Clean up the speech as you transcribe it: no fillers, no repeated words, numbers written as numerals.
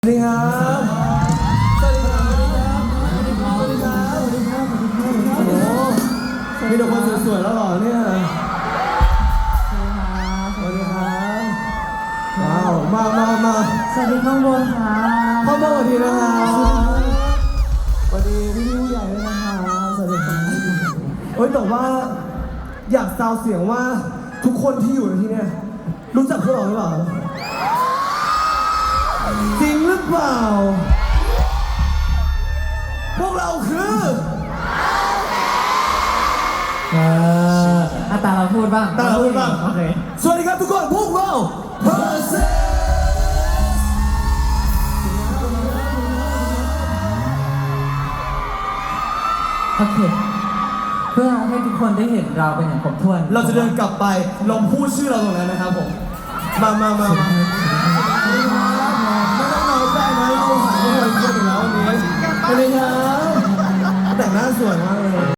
สวัสดีครับสวัสดีครับสวัสดีครับสวัสดีครับสวัสดีครับโอ้โหมีแต่คนสวยๆแล้วเหรอเนี่ยสวัสดีครับว้าวมาสวัสดีข้างบนค่ะเข้ามาสวัสดีนะครับสวัสดีพี่ผู้ใหญ่ด้วยนะครับสวัสดีครับเฮ้ยแต่ว่าอยากซาวเสียงว่าทุกคนที่อยู่ในที่เนี่ยรู้จักพวกเราหรือเปล่าจริงหรือเปล่าพวกเราคือตาเราพูดบ้างตาเราพูดบ้างโอเคสวัสดีครับทุกคนพวกเราเพอร์เซโอเค เพื่อให้ทุกคนได้เห็นเราเป็นอย่างครบถ้วนเราจะเดินกลับไปลองพูดชื่อเราตรงนั้นนะครับผมมาไม่ต้องน้อยใจนะเราหาทุกคนเพื่อนอยู่แล้ววันนี้สวัสดีครับแต่งหน้าสวยมากเลย